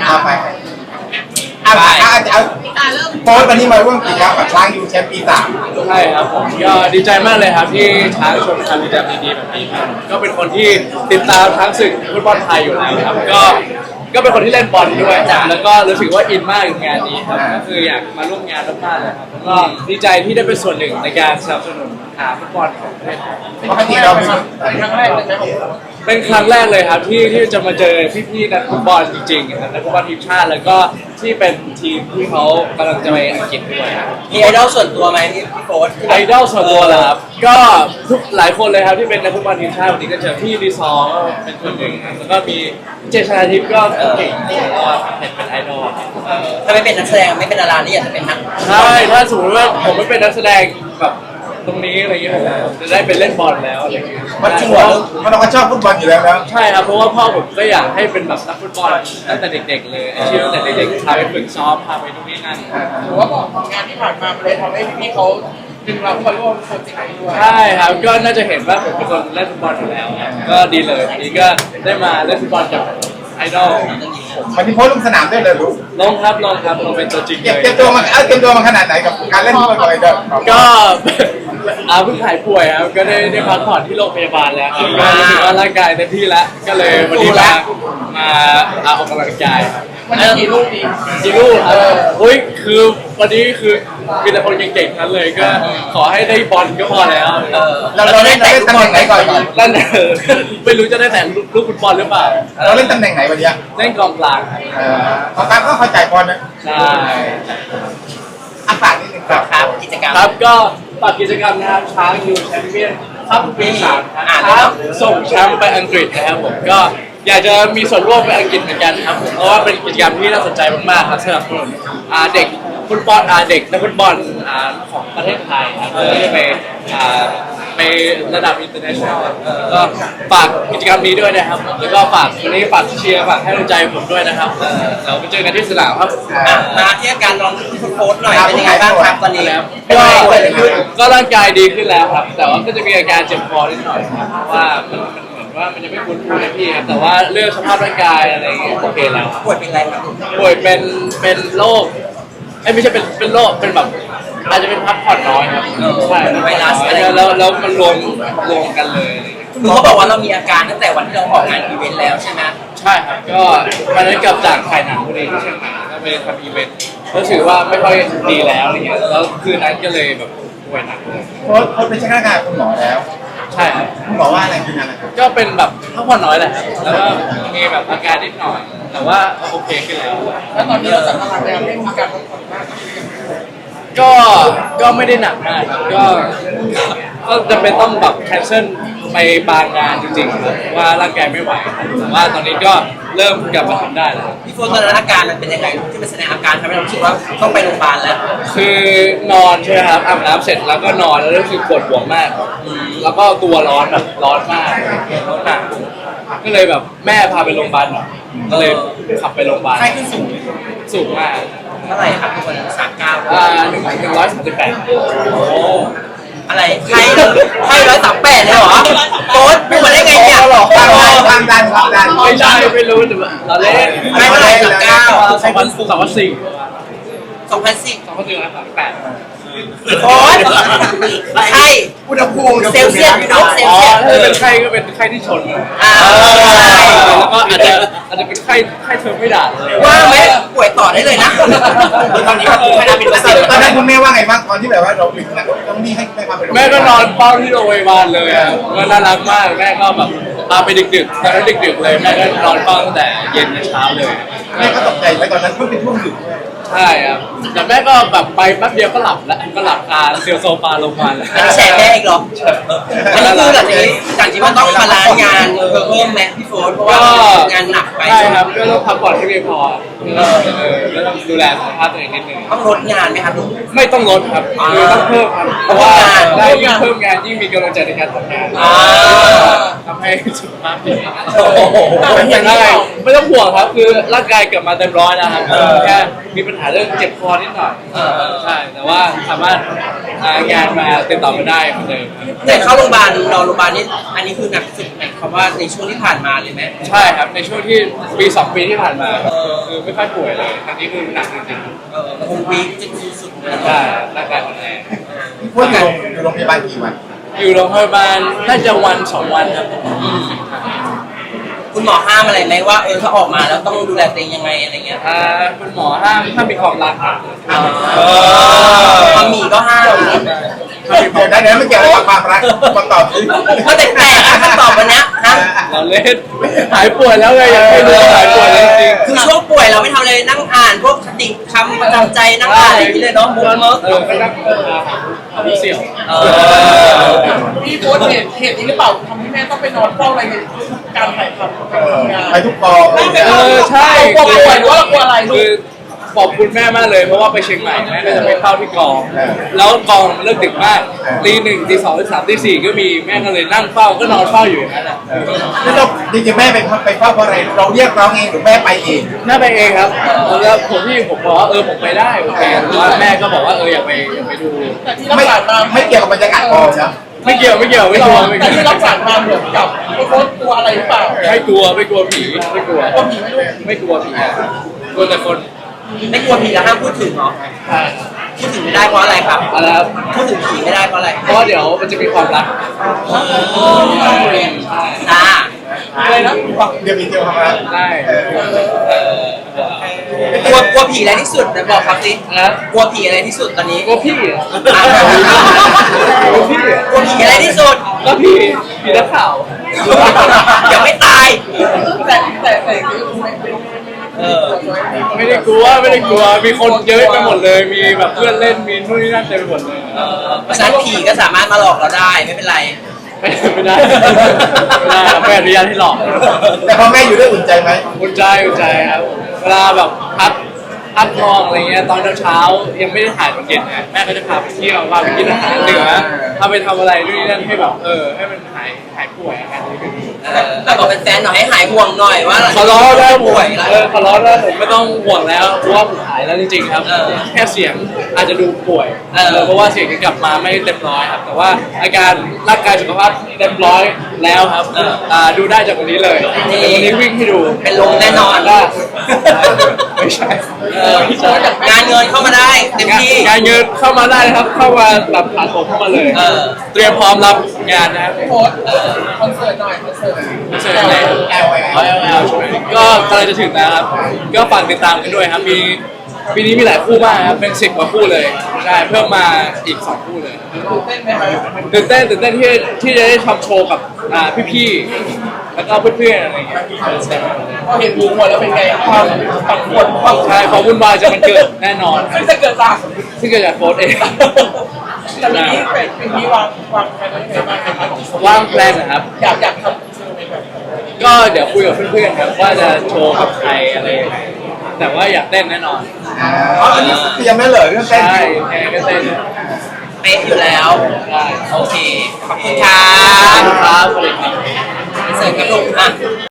เอาไปเอาโพสต์วันนี้มาร่วมกิจกรรมกับช้างยูแชมป์ปี 3 ใช่ครับผมก็ดีใจมากเลยครับที่ช้างชวนทำกิจกรรมดีๆแบบนี้ครับก็เป็นคนที่ติดตามทั้งศึกฟุตบอลไทยอยู่แล้วครับก็เป็นคนที่เล่นบอลด้วยแล้วก็รู้สึกว่าอินมากกับงานนี้ครับก็คืออยากมาร่วมงานมากๆเลยครับแล้วก็ดีใจที่ได้เป็นส่วนหนึ่งในการสนับสนุนฟุตบอลของประเทศไทยปกติเราเป็นครั้งแรกเลยไหมเป็นครั้งแรกเลยครับที่จะมาเจอพี่ๆนักฟุตบอลจริงๆครับนักฟุตบอลทีมชาติแล้วก็ที่เป็นทีมที่เขากำลังจะไปอังกฤษด้วยครับมีไอดอลส่วนตัวไหมพี่โฟร์ไอดอลส่วนตัวเหรอครับก็ทุกหลายคนเลยครับที่เป็นนักฟุตบอลทีมชาติวันนี้ก็เจอพี่รีซอร์ก็เป็นคนหนึ่งครับแล้วก็มีเจชนาทิพย์ก็เก่งก็เห็นเป็นไอดอลถ้าไม่เป็นนักแสดงไม่เป็นดารานี่อยากจะเป็นนักใช่ถ้าสมมติว่าผมไม่เป็นนักแสดงแบบตรงนี้อะไรเงี้ยผมจะได้ไปเล่นบอลแล้วอะไรเงี้ยมันจริงเหรอมันเราก็ชอบฟุตบอลอยู่แล้วใช่ครับเพราะว่าพ่อผมก็อยากให้เป็นแบบนักฟุตบอลตั้งแต่เด็กๆเลยอาชีพตั้งแต่เด็กๆพาไปฝึกซ้อมพาไปนู่นนี่นั่นหรือว่าบอกงานที่ผ่านมามันเลยทำให้พี่ๆเขาดึงเราเข้ามาร่วมโปรเจกต์นี้ด้วยใช่ครับก็น่าจะเห็นว่าผมเป็นคนเล่นฟุตบอลอยู่แล้วครับก็ดีเลยทีนี้ก็ได้มาเล่นฟุตบอลกับไอดอลวันนี้โพสต์ลงสนามด้วยเลยลูกลงครับลงเป็นตัวจริงเลยเตรียมตัวมาขนาดไหนกับการเล่นฟุตบอลเลยเด้อก็เพิ่งหายป่วยครับก็ได้พักผ่อนที่โรงพยาบาลแล้วครับก็รู้สึกว่าร่างกายเต็มที่แล้วก็เลยวันนี้มาออกกำลังกายครับมันจะกี่ลูกดีจิลูครับอุ้ยคือวันนี้คือมีแต่คนเก่งๆทั้งนั้นเลยก็ขอให้ได้บอลก็พอแล้วเราเล่นตำแหน่งไหนก่อนนั่นไม่รู้จะได้แต่ลูกฟุตบอลหรือเปล่าเราเล่นตำแหน่งไหนวันนี้เล่นกองกลางครับเขาตามก็เข้าใจบอลนะใช่ฝากนิดนึงครับครับกิจกรรมครับก็ฝากกิจกรรมนะครับช้างยูแชมเปี้ยนครับปี 3ครับช้างส่งแชมป์ไปอังกฤษนะครับผมก็อยากจะมีส่วนร่วมไปอังกฤษเหมือนกันครับผมเพราะว่าเป็นกิจกรรมที่น่าสนใจมากๆครับสำหรับเด็กฟุตบอลเด็กนักฟุตบอลของประเทศไทยครับเพื่อที่จะไประดับ international ก็ฝากกิจกรรมนี้ด้วยนะครับแล้วก็ฝากวันนี้ฝากเชียร์ฝากให้กำลังใจผมด้วยนะครับเราไปเจอกันที่สนามครับมาที่อาการน้องโฟร์หน่อยเป็นยังไงบ้างครับตอนนี้ก็ร่างกายดีขึ้นแล้วครับ แต่ว่าก็จะมีอาการเจ็บคอนิดหน่อยครับเพราะว่ามันเหมือนว่ามันยังไม่คุ้นเคยพี่ครับแต่ว่าเรื่องสภาพร่างกายอะไรอย่างเงี้ยโอเคแล้วป่วยเป็นอะไรครับป่วยเป็นโรคไม่ใช่เป็นโรคเป็นแบบอาจจะเป็นพักผ่อนน้อยครับใช่ไวรัสอะไรแล้วมันรวมกันเลยอะไรอย่างเงี้ยคือเขาบอกว่าเรามีอาการตั้งแต่วันที่เราออกงานอีเวนต์แล้วใช่ไหมใช่ครับก็วันนั้นกลับจากถ่ายหนังพอดีที่เชียงใหม่ก็ไปทำอีเวนต์รู้สึกว่าไม่ค่อยดีแล้วอะไรเงี้ยแล้วคืนนั้นก็เลยแบบป่วยหนักเลยโพสต์เป็นช่างงานคุณหมอแล้วใช่ครับคุณหมอว่าอะไรคืออะไรก็เป็นแบบพักผ่อนน้อยแหละครับแล้วก็มีแบบอาการนิดหน่อย แต่ว่าโอเคขึ้นแล้วแล้วตอนนี้เราสัมผัสแล้วไม่มีการพักผ่อนมากก็ไม่ได้หนักมากครับก็จำเป็นต้องแบบแคนเซิลไปบางงานจริงๆครับว่าร่างกายไม่ไหวครับแต่ว่าตอนนี้ก็เริ่มกลับมาทำได้แล้วพี่โฟร์ตอนนั้นอาการมันเป็นยังไงที่มันแสดงอาการทำให้เราคิดว่าต้องไปโรงพยาบาลแล้วคือนอนใช่ไหมครับอาบน้ำเสร็จแล้วก็นอนแล้วรู้สึกปวดหัวมาก แล้วก็ตัวร้อนแบบร้อนมากร้อนหนักก็เลยแบบแม่พาไปโรงพยาบาลหน่อยก็เลยขับไปโรงพยาบาลไข้ขึ้นสูงสูงมากเท่าไหร่ครับทุกคน39 138 โอ้อะไรไข้138เลยเหรอโค้ดพูดมาได้ไงเนี่ยความดันไม่ใช่ไม่รู้แต่ว่าเราเล่นไม่เท่าไหร่39 2004 2010 2038 โค้ดไข้อุณหภูมิเซลเซียสอยู่เนอะเซลอ๋อเซียสถ้าเป็นไข้ก็เป็นไข้ที่ชน แล้วก็อาจจะเป็นไข้เทอร์ไม่ด่าเลยว่าไหมป่วยต่อได้เลยนะตอนนี้ก็คือแค่นั้นเป็นเปอร์เซ็นต์ตอนนั้นคุณแม่ว่าไงบ้างตอนที่แบบว่าเราเป็นต้องนี่ให้ความเป็นแม่ก็นอนเฝ้าที่โรงพยาบาลเลยอ่ะก็น่ารักมากแม่ก็แบบพาไปดึกๆตอนนั้นดึกๆเลยแม่ก็นอนเฝ้าตั้งแต่เย็นถึงเช้าเลยแม่ก็ตกใจไปตอนนั้นเพิ่งเป็นช่วงดึกใช่ครับแต่แม่ก็แบบไปแป๊บเดียวก็หลับแล้วก็หลับคาเซียวโซฟาลงมาแล้วอันนี้แชร์แม่อีกเหรออันนี้คือจากที่ว่าต้องบาลานซ์งานเพิ่มไหมพี่โฟนเพราะว่างานหนักไปใช่ครับก็ต้องพักผ่อนให้เพียงพอก็ต้องดูแลสุขภาพตัวเองนิดนึงต้องลดงานไหมครับลูกไม่ต้องลดครับคือต้องเพิ่มครับเพราะว่าได้ยิ่งเพิ่มงานยิ่งมีกำลังใจในการทำงานทำให้สุขภาพดีไม่ต้องห่วงครับคือร่างกายกลับมาเต็มร้อยแล้วครับแค่มีปัญหาเรื่องเจ็บคอนิดหน่อยใช่แต่ว่าสามารถงานมาติดต่อมาได้เหมือนเดิมแต่เข้าโรงพยาบาลนอนโรงพยาบาลนี่อันนี้คือหนักสุดหมายความว่าในช่วงที่ผ่านมาเลยไหมใช่ครับในช่วงที่ปี2 ปีที่ผ่านมาคือไม่ค่อยป่วยเลยครั้งนี้คือหนักจริงมันคงวีคจนสุดๆเลยๆใช่ร่างกายอ่อนแอพูดอยู่โรงพยาบาลกี่วันอยู่โรงพยาบาลน่าจะวัน2 วันครับคุณหมอห้ามอะไรไหมว่าถ้าออกมาแล้วต้องดูแลตัวเองยังไงอะไรเงี้ยคุณหมอห้ามมีความรักครับมัมมี่ก็ห้ามเดี๋ยวได้ไม่เกี่ยวกับความรักมาตอบสิก็แปลกๆนะคำตอบวันเนี้ยนะเราเล่นหายป่วยแล้วไงยังไม่รู้หายป่วยแล้วจริงคือช่วงป่วยเราไม่ทำอะไรนั่งอ่านพวกคติคำประจำใจนั่งอ่านอะไรอย่างนี้เลยเนาะบุ๊กเมิร์กก็นั่งหาผู้เสี่ยวพี่โพสต์เหตุนี้หรือเปล่าทำให้แม่ต้องไปนอนเฝ้าอะไรในการถ่ายทำการทำงานไปทุกกองใช่กลัวป่วยหรือว่ากลัวอะไรลูคือก ขอบคุณแม่มากเลยเพราะว่าไปเชียงใหม่แม่ก็จะไปเข้าที่กอง แล้วกองมันเลิกดึกมากตี 1ตี 2ตี 3ตี 4ก็มีแม่ก็เลยนั่งเฝ้าก็นอนเฝ้าอยู่อย่างนั้นแหละนี่เราจริงๆแม่ไปเฝ้าเพราะอะไรเราเรียกร้องเองหรือแม่ไปเองแม่ไปเองครับแล้วผมบอกว่าผมไปได้โอเคแต่ว่าแม่ก็บอกว่าอยากไปดูแต่ที่รัไม่กษามาไม่เกี่ยวกับบรรยากาศกองนะไม่เกี่ยวไม่กลัวแต่ที่รักษามาเหมือนกับพี่โพสต์กลัวอะไรหรือเปล่าไม่กลัวผีไม่กลัวกลัวผีไหมลูกไม่กลัวผีอะกลัวแต่คนไม่กลัวผีแล้วห้ามพูดถึงเหรอใช่พูดถึงไม่ได้เพราะอะไรครับอะไรครับพูดถึงผีไม่ได้เพราะอะไรเพราะว่าเดี๋ยวมันจะมีความรักจ้าอะไรนะเดี๋ยวมีเดียวครับได้กลัวผีอะไรที่สุดนะบอกครับสินะกลัวผีอะไรที่สุดตอนนี้กลัวพี่อะอ่ะกลัวพี่อะกลัวผีอะไรที่สุดก็พี่นักข่าวอย่าไม่ตายแต่คือไม่ไม่ได้กลัวมีคนเยอะไปหมดเลยมีแบบเพื่อนเล่นมีนู่นนี่นั่นเต็มไปหมดเลยเพราะฉะนั้นผีก็สามารถมาหลอกเราได้ไม่เป็นไรไม่ได้ไม่อนุญาตให้หลอกแต่พอแม่อยู่ด้วยอุ่นใจไหมอุ่นใจครับเวลาแบบพักนอนอะไรเงี้ยตอนเช้ายังไม่ได้ถ่ายตอนเย็นนะแม่ก็จะพาไปเที่ยวพาไปกินอาหารเหนือพาไปทำอะไรนู่นนี่นั่นให้แบบให้มันหายป่วยอาการนี้เป็นแต่บอกเป็นแฟนหน่อยให้หายห่วงหน่อยว่าขอร้องแล้วผมป่วยแล้วขอร้องแล้วผมไม่ต้องห่วงแล้วเพราะว่าผมหายแล้วจริงๆครับแค่เสียงอาจจะดูป่วยเพราะว่าเสียงยังกลับมาไม่เต็มร้อยครับแต่ว่าอาการร่างกายสุขภาพเต็มร้อยแล้วครับดูได้จากวันนี้เลยวันนี้วิ่งให้ดูเป็นลมแน่นอนได้ไม่ใช่งานเงินเข้ามาได้เต็มที่งานเงินเข้ามาได้นะครับเข้ามาแบบผ่านผมเข้ามาเลย เตรียมพร้อมรับงานนะครับโพสต์คอนเสิร์ตหน่อยคอนเสิร์ตเสร็จแล้ว LL ใช่ไหมก็กำลังจะถึงแล้วครับก็ฝากติดตามกันด้วยครับปีนี้มีหลายคู่มากครับเป็น10 กว่าคู่เลยใช่เพิ่มมาอีก2 คู่เลยตื่นเต้นไหมครับตื่นเต้นที่จะได้ทำโชว์กับพี่ๆแล้วก็เพื่อนๆอะไรอย่างเงี้ยพอเห็นบูมหมดแล้วเป็นไงความปั่นป่วนความใช่ความวุ่นวายจะมันเกิดแน่นอนซึ่งจะเกิดจากซึ่งเกิดจากโค้ชเองแต่ปีนี้เป็นที่วางแผนไว้ยังไงบ้างครับว่างแพลนนะครับอยากทำโชว์ในแบบก็เดี๋ยวคุยกับเพื่อนๆครับว่าจะโชว์กับใครอะไรยังไงแต่ว่าอยากเต้นแน่นอนอันนี้เตรียมไม่เลยเรื่องเต้นใช่แค่ก็เต้นเป๊ะอยู่แล้วได้โอเค ขอบคุณครัครับ บสวัสดีครับเสริมกระลุกอ่ะ